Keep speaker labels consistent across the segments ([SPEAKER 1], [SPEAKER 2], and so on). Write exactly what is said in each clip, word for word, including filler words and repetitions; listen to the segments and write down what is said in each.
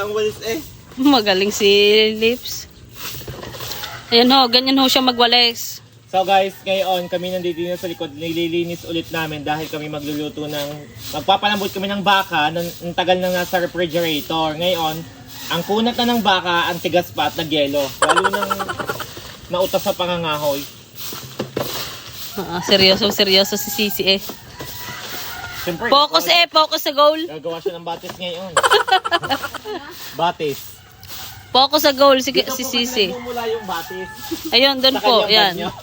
[SPEAKER 1] ang walis eh.
[SPEAKER 2] Magaling si Lips. Ayan ho, ganyan ho siya magwalis.
[SPEAKER 1] So guys, ngayon kami nandito na sa likod, nililinis ulit namin dahil kami magluluto ng, magpapalambot kami ng baka ng, ng tagal na nasa refrigerator. Ngayon, ang kunat na ng baka, ang tigas pa at nagyelo. Lalo nang nautas sa pangangahoy.
[SPEAKER 2] Ah, seryoso, seryoso si Sisi eh.
[SPEAKER 1] Siyempre,
[SPEAKER 2] Focus eh, focus sa goal.
[SPEAKER 1] gagawa siya ng batis ngayon. Batis.
[SPEAKER 2] Focus sa goal si,
[SPEAKER 1] Dito
[SPEAKER 2] si
[SPEAKER 1] po
[SPEAKER 2] Sisi.
[SPEAKER 1] kasi nagmumula yung batis.
[SPEAKER 2] Ayun, doon
[SPEAKER 1] Sa
[SPEAKER 2] po,
[SPEAKER 1] kanyang
[SPEAKER 2] yan.
[SPEAKER 1] banyo.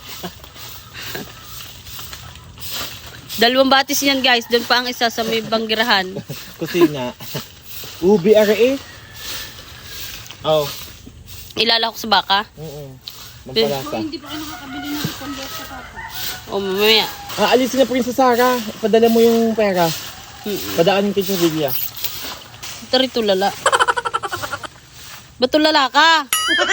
[SPEAKER 2] Dalawang batis yan guys, doon pa ang isa sa may banggirahan.
[SPEAKER 1] Kusina. Ubi R A. Oh.
[SPEAKER 2] Ilalako sa baka.
[SPEAKER 1] Mm. Mampalasa.
[SPEAKER 3] Hindi pa kayo nakakabili ng convert sa papa.
[SPEAKER 2] O mamaya.
[SPEAKER 1] Ah, alisin na Princess Sarah. Padala mo yung pera.
[SPEAKER 2] Mm-mm.
[SPEAKER 1] Padaanin kay Julia.
[SPEAKER 2] Ito rin tulala. Ba't tulala ka?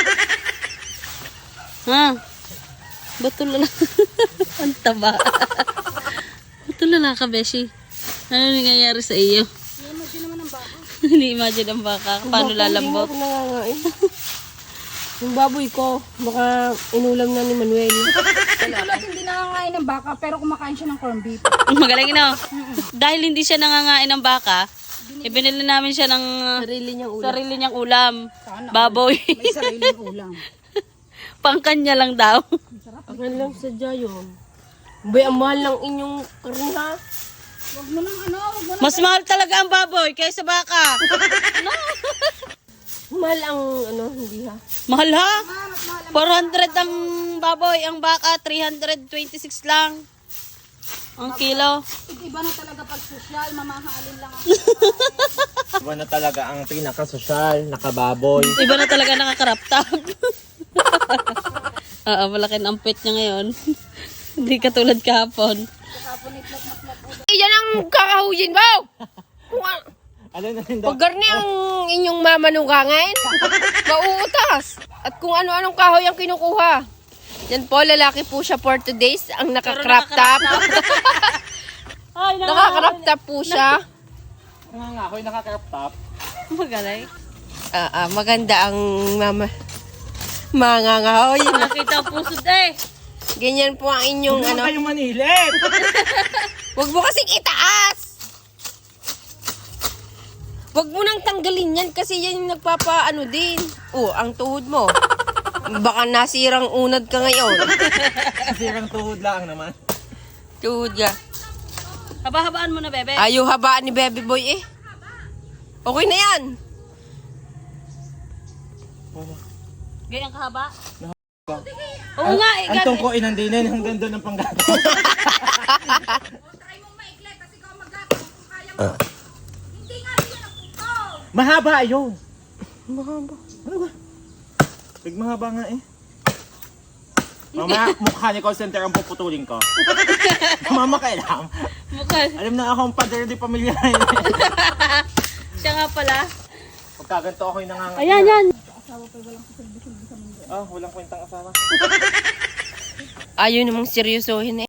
[SPEAKER 2] Ha? Ba't tulala? Ang taba. Ba't tulala ka, Beshi? Ano nangyayari sa iyo?
[SPEAKER 3] I-imagine naman ang baka.
[SPEAKER 2] Hindi-imagine ang baka. Paano lalambot?
[SPEAKER 3] Hindi mo ako nangangain. Yung baboy ko, baka inulam na ni Manuel. Tulad hindi nangangain ng baka, pero kumakain siya ng corned beef.
[SPEAKER 2] Magaling no? Dahil hindi siya nangangain ng baka, ibinili namin siya ng
[SPEAKER 3] Sarili niyang ulam.
[SPEAKER 2] sarili niyang ulam.
[SPEAKER 3] Sana
[SPEAKER 2] Baboy.
[SPEAKER 3] May sariling ulam.
[SPEAKER 2] Pangkanya lang daw.
[SPEAKER 3] Ang lang sadya yun. Bay, ang mahal ng inyong karne ha. Wag mo nang ano, wag mo nang...
[SPEAKER 2] Mas mahal talaga ang baboy kaysa baka.
[SPEAKER 3] Mahal ang ano, hindi ha.
[SPEAKER 2] Mahal ha? four hundred ang baboy, ang baka three hundred twenty-six lang. Ang kilo.
[SPEAKER 3] Iba na talaga pag social, mamahalin lang ang...
[SPEAKER 1] Iba na talaga ang pinaka-sosyal, nakababoy.
[SPEAKER 2] Iba na talaga nakakaraptap. Oo, malaki ang ampit niya ngayon. Hindi katulad kahapon.
[SPEAKER 3] Yan ang kakahuyin mo! Kung ano,
[SPEAKER 1] Ano na rin daw?
[SPEAKER 3] pag garni ang inyong mamanungangin, mauutas. At kung ano-anong kahoy ang kinukuha. Yan po, lalaki po siya for today's. Ang naka-crop top.
[SPEAKER 2] Ay,
[SPEAKER 3] Naka-crop top po siya.
[SPEAKER 1] Nangangahoy, naka-crop top.
[SPEAKER 2] Magaling.
[SPEAKER 3] Ah, ah, maganda ang mama. Mangangahoy.
[SPEAKER 2] Nakita ang pusod eh.
[SPEAKER 3] Ganyan po ang inyong
[SPEAKER 1] Huwag
[SPEAKER 3] ano.
[SPEAKER 1] kayong manilip!
[SPEAKER 3] Huwag mo kasing itaas! Huwag mo nang tanggalin yan kasi yan yung nagpapaano din. Oh, ang tuhod mo. Baka nasirang unad ka ngayon.
[SPEAKER 1] Sirang tuhod lang naman.
[SPEAKER 3] Tuhod ka.
[SPEAKER 2] Haba-habaan mo na, bebe.
[SPEAKER 3] Ayaw habaan ni Baby Boy eh. Okay na yan.
[SPEAKER 2] Gayang kahaba. Oo nga, eh.
[SPEAKER 1] Ang
[SPEAKER 2] gan-
[SPEAKER 1] tungkoin ang dinin hanggang doon ang panggato. Mahaba yun.
[SPEAKER 3] Mahaba.
[SPEAKER 1] Ano ba? Big mahaba nga eh. Mamaya mukha ni call center ang puputulin ko. Mama kailam.
[SPEAKER 2] Mukha.
[SPEAKER 1] Alam na ako ang pader di pamilya.
[SPEAKER 2] Siya nga pala.
[SPEAKER 1] Pagkaganto ako yung nangangahoy.
[SPEAKER 2] Ayan, yan.
[SPEAKER 1] Ah, walang kwentang asawa.
[SPEAKER 3] Ayaw namang seryosohin eh.